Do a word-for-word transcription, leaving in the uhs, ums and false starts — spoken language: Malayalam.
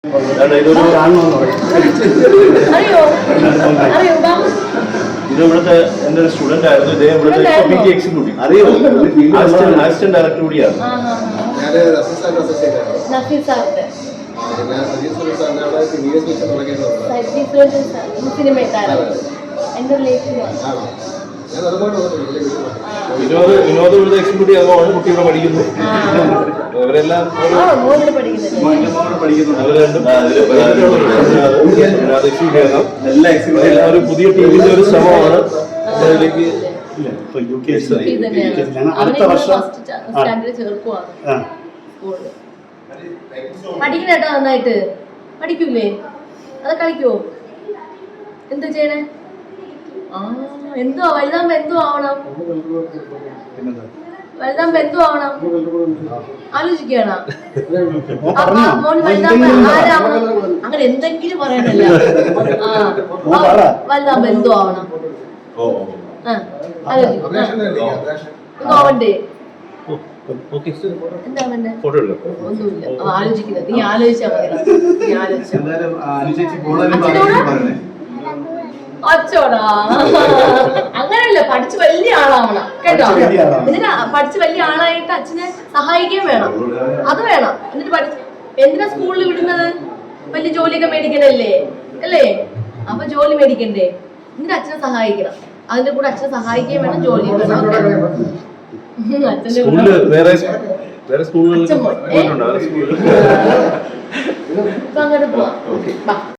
ഇത് ഇവിടുത്തെ എന്റെ ഒരു സ്റ്റുഡന്റ് ആയിരുന്നു. ഇദ്ദേഹം ഇവിടുത്തെ P T executive assistant director കൂടിയാണ്. വിനോദ് വിനോദ് ഇവിടുത്തെ എക്സിക്യൂട്ടീവ് ആകുമ്പോൾ കുട്ടി ഇവിടെ പഠിക്കുന്നു. ഇവരെല്ലാം ഒരു പുതിയ ടീമിന്റെ ഒരു ശ്രമമാണ് അതിലേക്ക്. അടുത്ത വർഷം പഠിക്കണേട്ടോ, നന്നായിട്ട് പഠിക്കൂലേ? അത് കളിക്കുവോ? എന്താ ചെയ്യണേ? ആ എന്തോ വലുതാകുമ്പോ എന്തോ ആവണം, വലുതാകുമ്പോ എന്തോ ആവണം ആലോചിക്കണം. മോന് വലുതാകുമ്പോ ആരാവണം അങ്ങനെ എന്തെങ്കിലും പറയണല്ല. ആ വലുതാകുമ്പോ എന്തോ ആവണം. ആ ആലോചിക്കും. എന്തോ ആവണ്ടേ? എന്താ വേണ്ടേ? ഒന്നുമില്ല, ആലോചിക്കുന്നത്. നീ ആലോചിച്ചാ മതി. നീ ആലോചിച്ചാ അച്ചോടാ. അങ്ങനെയല്ല, പഠിച്ച് വലിയ ആളാവണം കേട്ടോ. എന്നിട്ട് പഠിച്ച് വലിയ ആളായിട്ട് അച്ഛനെ സഹായിക്കുകയും വേണം. അത് വേണം. എന്നിട്ട് പഠിച്ച് എന്തിനാ സ്കൂളിൽ വിടുന്നത്? വലിയ ജോലിയൊക്കെ മേടിക്കണല്ലേ അല്ലേ? അപ്പൊ ജോലി മേടിക്കണ്ടേ? എന്നിട്ട് അച്ഛനെ സഹായിക്കണം. അതിന്റെ കൂടെ അച്ഛനെ സഹായിക്കുകയും വേണം, ജോലിയും വേണം. അച്ഛൻ്റെ ഇപ്പൊ അങ്ങോട്ട് പോവാം.